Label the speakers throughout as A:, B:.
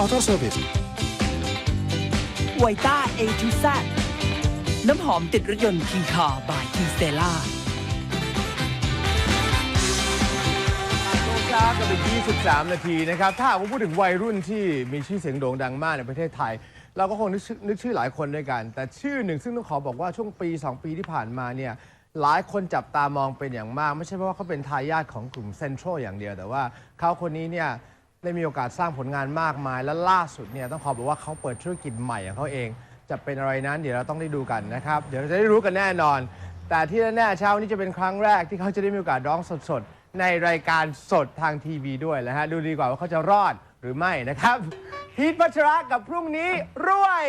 A: Auto Service
B: ไวต้า A to Z น้ำหอมติดรถยนต์ทีคาร์บายทีเซล่า
C: ช้ากันไป23 นาทีนะครับถ้าผมพูดถึงวัยรุ่นที่มีชื่อเสียงโด่งดังมากในประเทศไทย เราก็คงนึกชื่อหลายคนด้วยกัน แต่ชื่อหนึ่งซึ่งต้องขอบอกว่าช่วงปี 2 ปีที่ผ่านมาเนี่ยหลายคนจับตามองเป็นอย่างมาก ไม่ใช่เพราะว่าเขาเป็นทายาทของกลุ่มเซ็นทรัลอย่างเดียวแต่ว่าเขาคนนี้เนี่ยได้มีโอกาสสร้างผลงานมากมาย และล่าสุดเนี่ยต้องขอบอกว่าเขาเปิดธุรกิจใหม่ของเขาเองจะเป็นอะไรนั้นเดี๋ยวเราต้องได้ดูกันนะครับเดี๋ยวเราจะได้รู้กันแน่นอน แต่ที่แน่ๆเช้านี้จะเป็นครั้งแรกที่เขาจะได้มีโอกาสร้องสดๆในรายการสดทางทีวีด้วยนะฮะดูดีกว่าว่าเขาจะรอดหรือไม่นะครับพีทพัชระกับพรุ่งนี้รวย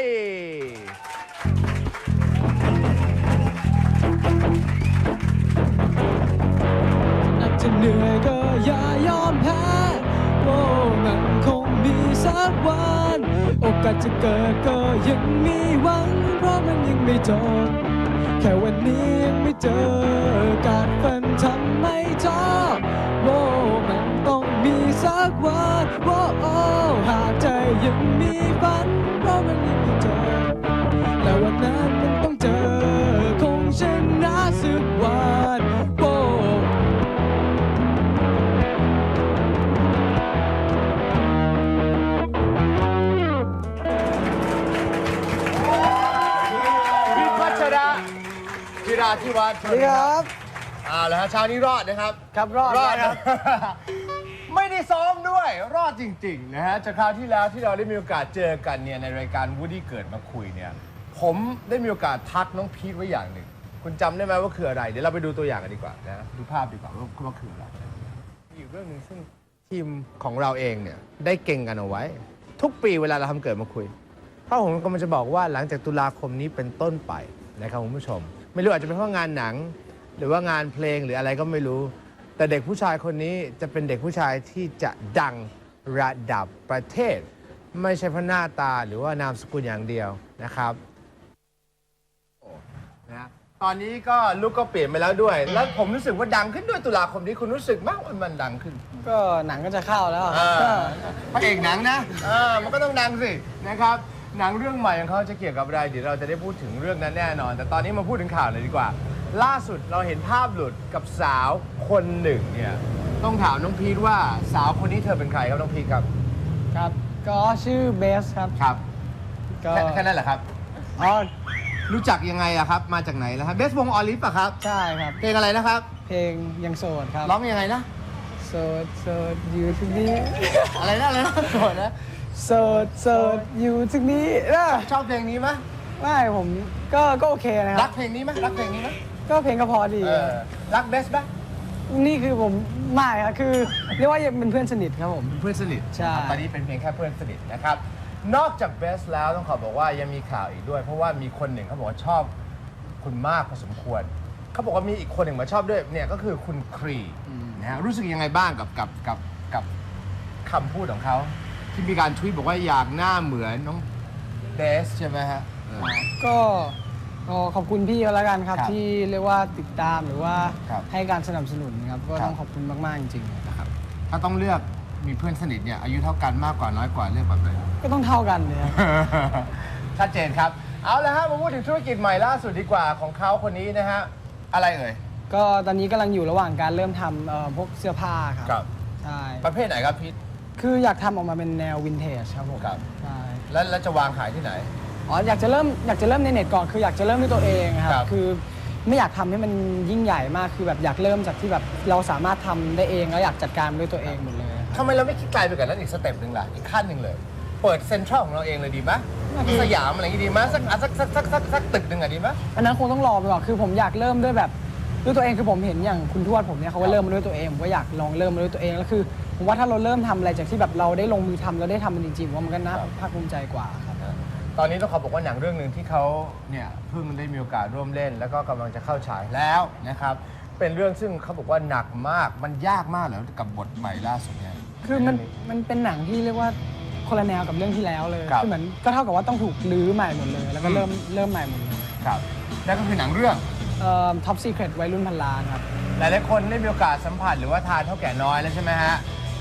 D: อาจจะเหนื่อยก็อย่ายอมแพ้โอ้มันคงมีสักวันโอกาสจะเกิดก็ยังมีหวังเพราะมันยังไม่จบแค่วันนี้ยังไม่เจอการฝันทำไม่ท้อโอ้มันต้องมีสักวันโอ้หากใจยังมีฝันเพราะมันยังไม่เจอและวันนั้นมันต้องเจอคงชนะสักวันโอ้
C: พีทพัชระจิราธิวัฒน์
D: สวัสดีครับ
C: แล้วฮะเช้านี้รอดนะครับ
D: ครับรอด
C: ครับ ไม่ได้ซ้อมด้วยรอดจริงๆนะฮะจากคราวที่แล้วที่เราได้มีโอกาสเจอกันเนี่ยในรายการวูดดี้เกิดมาคุยเนี่ยผมได้มีโอกาสทักน้องพีทไว้อย่างหนึ่งคุณจำได้ไหมว่าคืออะไรเดี๋ยวเราไปดูตัวอย่างกันดีกว่านะดูภาพดีกว่าว่าคืออะไรมีอยู่เรื่องหนึ่งซึ่งทีมของเราเองเนี่ยได้เก่งกันเอาไว้ ทุกปีเวลาเราทำเกิดมาคุยเพราะผมกำลังจะบอกว่าหลังจากตุลาคมนี้เป็นต้นไปนะครับคุณผู้ชม ไม่รู้อาจจะเป็นเพราะงานหนัง หรือว่างานเพลงหรืออะไรก็ไม่รู้ แต่เด็กผู้ชายคนนี้จะเป็นเด็กผู้ชายที่จะดังระดับประเทศ ไม่ใช่เพราะหน้าตาหรือว่านามสกุลอย่างเดียวนะครับนะตอนนี้ก็ลุกก็เปลี่ยนไปแล้วด้วย แล้วผมรู้สึกว่าดังขึ้นด้วยตุลาคมนี้คุณรู้สึกมากว่ามันดังขึ้น
D: ก็หนังก็จะเข้าแล้ว
C: พระเอกหนังนะมันก็ต้องดังสินะครับหนังเรื่องใหม่ของเขาจะเกี่ยวกับอะไรเดี๋ยวเราจะได้พูดถึงเรื่องนั้นแน่นอน แต่ตอนนี้มาพูดถึงข่าวเลยดีกว่า ล่าสุดเราเห็นภาพหลุดกับสาวคนหนึ่งเนี่ยต้องถามน้องพีทว่าสาวคนนี้เธอเป็นใครครับน้องพีทครับ
D: ครับ ก็ชื่อเบสครับ
C: ครับ
D: ก็
C: แค่นั้นแหละครับ
D: อ๋อ
C: รู้จักยังไงอะครับมาจากไหนแล้วครับเบสวงออลิฟอะครับ
D: ใช่ครับ
C: เพลงอะไรนะครับ
D: เพลงยังโสดครับ
C: ร้องยังไงนะ
D: โสดโสดอยู่ที่นี่
C: อะไรนะโสดนะ
D: โสดโสดอยู่ที่นี่นะ
C: ชอบเพลงนี้ไหม
D: ไม่ผมก็โอเคนะค
C: รั
D: รั
C: ก
D: บ
C: เพลงนี้ไหมรักเพลงนี้ไหม
D: ก็เพลงก็พอดี
C: รักเบสไหม
D: นี่คือผมไม่ครับคือเรียกว่ายังเป็นเพื่อนสนิทครับผม
C: เพื่อนสนิท
D: ใช่
C: ตอนนี้เป็นเพียงแค่เพื่อนสนิทนะครับ นอกจากเบสแล้วต้องขอบอกว่ายังมีข่าวอีกด้วย เพราะว่ามีคนหนึ่งเขาบอกว่าชอบคุณมากพอสมควร เขาบอกว่ามีอีกคนหนึ่งมาชอบด้วยเนี่ยก็คือคุณครีนะฮะรู้สึกยังไงบ้างกับคำพูดของเขาที่มีการทวีตบอกว่าอยากหน้าเหมือนน้องเบสใช่ไหมฮะ
D: ก็ขอบคุณพี่เขาแล้วกันครับ
C: ครับ
D: ที่เรียกว่าติดตามหรือว่า
C: ครับ
D: ให้การสนับสนุนครับก็
C: ครับ
D: ต้องขอบคุณมากๆจริงๆ
C: นะครับถ้าต้องเลือกมีเพื่อนสนิทเนี่ยอายุเท่ากันมากกว่าน้อยกว่าเลือกแบบไหน
D: ก็ต้องเท่ากันเลยครับ
C: ชัดเจนครับ เอาละฮะมาพูดถึงธุรกิจใหม่ล่าสุดดีกว่าของเขาคนนี้นะฮะ อะไรเอ่ย
D: ก็ตอนนี้กำลังอยู่ระหว่างการเริ่มทำพวกเสื้อผ้าครับ
C: ครับ
D: ใช่
C: ประเภทไหนครับพีท
D: คืออยากทำออกมาเป็นแนววินเทจครับผม
C: ครับ
D: ใช่
C: แล้วจะวางขายที่ไหน
D: อ๋ออยากจะเริ่มในเน็ตก่อนคืออยากจะเริ่มด้วยตัวเองค
C: ครั
D: รับบ คือไม่อยากทำให้มันยิ่งใหญ่มากคือแบบอยากเริ่มจากที่แบบเราสามารถทำได้เองแล้วอยากจัดการด้วยตัวเองหมดเลยครับ
C: ทำไมเราไม่คิดไกลไปกว่านั้นอีกสเต็ปหนึ่งล่ะ อีกขั้นหนึ่งเลย เปิดเซ็นทรัลของเราเองเลยดีไหมสยามอะไรอย่างงี้ดีไหมสักตึกหนึ่งอะดีไหม
D: อันนั้นคงต้องรอไปก่อนคือผมอยากเริ่มด้วยแบบด้วยตัวเองคือผมเห็นอย่างคุณทวดผมเนี่ยเขาก็เริ่มมาด้วยตัวเองผมก็อยากลองเริ่มมาด้วยตัวเองแล้วคือผมว่าถ้าเราเริ่มทำอะไรจากที่แบบเราได้ลงมือทำเราได้ทำมันจริงๆว่ามันก็น่าภาคภูมิใจกว่าครับ
C: ตอนนี้ต้องขอบอกว่าหนังเรื่องหนึ่งที่เขาเนี่ยเพิ่งได้มีโอกาสร่วมเล่น แล้วก็กำลังจะเข้าฉายแล้วนะครับ เป็นเรื่องซึ่งเขาบอกว่าหนักมาก มันยากมากเลยกับบทใหม่ล่าสุดเนี่ย
D: คือมันเป็นหนังที่เรียกว่าคนละแนวกับเรื่องที่แล้วเลย
C: ครับ
D: คือเหมือนก็เท่ากับว่าต้องถูกรื้อใหม่หมดเลย แล้วก็เริ่มใหม่หมดเลย
C: ครับนั่นก็คือหนังเรื่อง
D: ท็อปซีเครตวัยรุ่นพันล้านครับ
C: หลายๆคนได้มีโอกาสสัมผัสหรือว่าทานเท่าแก่น้อยแล้วใช่ไหมฮะ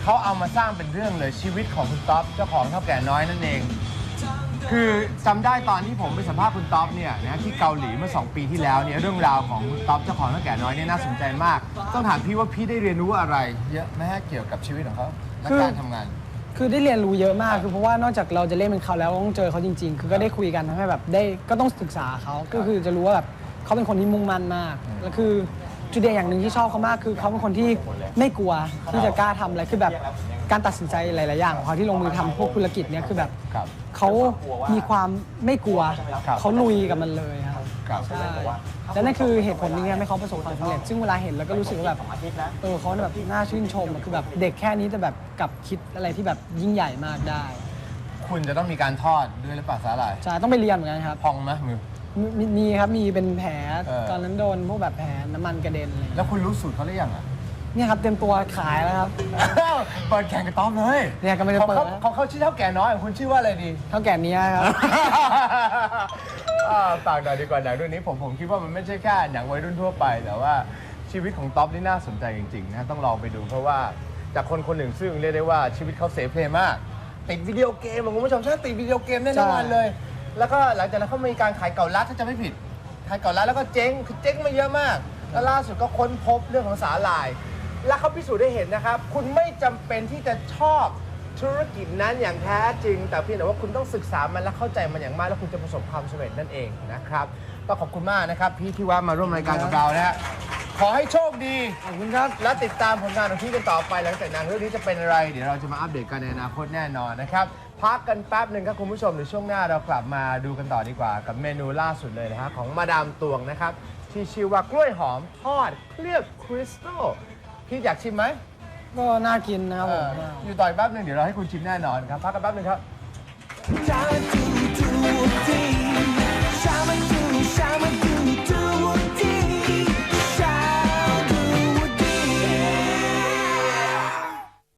C: เขาเอามาสร้างเป็นเรื่องเลยชีวิตของคุณต๊อปเจ้าของเท่าแก่น้อยนั่นเอง คือจำได้ตอนที่ผมไปสัมภาษณ์คุณต๊อปเนี่ยนะที่เกาหลีเมื่อ2 ปีที่แล้วเนี่ยเรื่องราวของคุณต๊อปเจ้าของเท่าแก่น้อยเนี่ยน่าสนใจมากต้องถามพี่ว่าพี่ได้เรียนรู้อะไรเยอะไหมฮะเกี่ยวกับชีวิตของเขาและการทำงาน
D: คือได้เรียนรู้เยอะมากคือเพราะว่านอกจากเราจะเล่นเป็นเขาแล้วต้องเจอเขาจริง ๆ คือก็ได้คุยกันทำให้แบบได้ก็ต้องศึกษาเขาก็คือจะรู้ว่าแบบเขาเป็นคนที่มุ่งมั่นมากแล้วคือจุดเด่นอย่างหนึ่งที่ชอบเขามากคือเขาเป็นคนที่ไม่กลัวที่จะกล้าทำอะไรคือแบบการตัดสินใจหลายๆอย่างของเขาที่ลงมือทำพวกธุรกิจเนี่ยคือแบบ
C: ครับ
D: เขามีความไม่กลัว
C: ครับ
D: เขาลุยกับมันเลยครับ
C: ครับ
D: ใช่และนั่นคือเหตุผลหนึงที่ทำให้เขาประสบความสำเร็จซึ่งเวลาเห็นแล้วก็รู้สึกว่าแบบเขาแบบน่าชื่นชมอะคือแบบเด็กแค่นี้จะแบบกลับคิดอะไรที่แบบยิ่งใหญ่มากได้
C: คุณจะต้องมีการทอดด้วยหรือเปล่าสาหร่าย
D: ใช่ต้องไปเรียนเหมือนกันครับ
C: พองไหมมือ
D: มีครับมีเป็นแผล
C: เออ
D: ตอนนั้นโดนพวกแบบแผลน้ำมันกระเด็นอะไรอย่าง
C: แล้
D: เงี้ยว
C: คุณรู้สูตรเขาหรือยังอ่ะ
D: เนี่ยครับเต็มตัวขายแล้วครับ
C: เปิดแข่งกับต๊อปเลย
D: เนี่ยก็ไม่ได้เปิดนะ
C: ของเขาชื่อเท่าแก่น้อยของคุณชื่อว่าอะไรดี
D: เท่าแก่เนี้ยครับ
C: ฝากหน่อยดีกว่าหนังเรื่องนี้ผมคิดว่ามันไม่ใช่แค่หนังวัยรุ่นทั่วไป แต่ว่าชีวิตของต๊อปนี่น่าสนใจจริงๆนะต้องลองไปดูเพราะว่าจากคนคนหนึ่งซึ่งเรียกได้ว่าชีวิตเขาเสเพลมากติดวิดีโอเกมอะคุณผู้ชมใช่ติดวิดีโอเกมแน่นอนเลย แล้วก็หลังจากนั้นเขามีการขายเก่าลัดถ้าจะไม่ผิดขายเก่าลัดแล้วก็เจ๊งคือเจ๊งมาเยอะมาก แล้วล่าสุดก็ค้นพบเรื่องของสาหร่าย และเขาพิสูจน์ได้เห็นนะครับ คุณไม่จำเป็นที่จะชอบธุรกิจนั้นอย่างแท้จริง แต่เพียงแต่ว่าคุณต้องศึกษามันและเข้าใจมันอย่างมาก แล้วคุณจะประสบความสำเร็จนั่นเองนะครับก็ขอบคุณมากนะครับพี่ที่ว่ามาร่วมรายการกับเรานะฮะขอให้โชคดี
D: ขอบคุณครับ
C: และติดตามผลงานของพี่กันต่อไปหลังจากหนังเรื่องนี้จะเป็นอะไร เดี๋ยวเราจะมาอัปเดตกันในอนาคตแน่นอนนะครับพักกันแป๊บหนึ่งครับคุณผู้ชมเดี๋ยวช่วงหน้าเรากลับมาดูกันต่อดีกว่า กับเมนูล่าสุดเลยนะฮะของมาดามตวงนะครับที่ชื่อว่ากล้วยหอมทอดเคลือบคริสตัลพี่อยากชิมไหม
D: ก็น่ากินนะครับผม
C: อยู่ต่ออีกแป๊บหนึงเดี๋ยวเราให้คุณชิมแน่นอนครับพักกันแป๊บหนึงครับ
B: Shama do do dee, shama do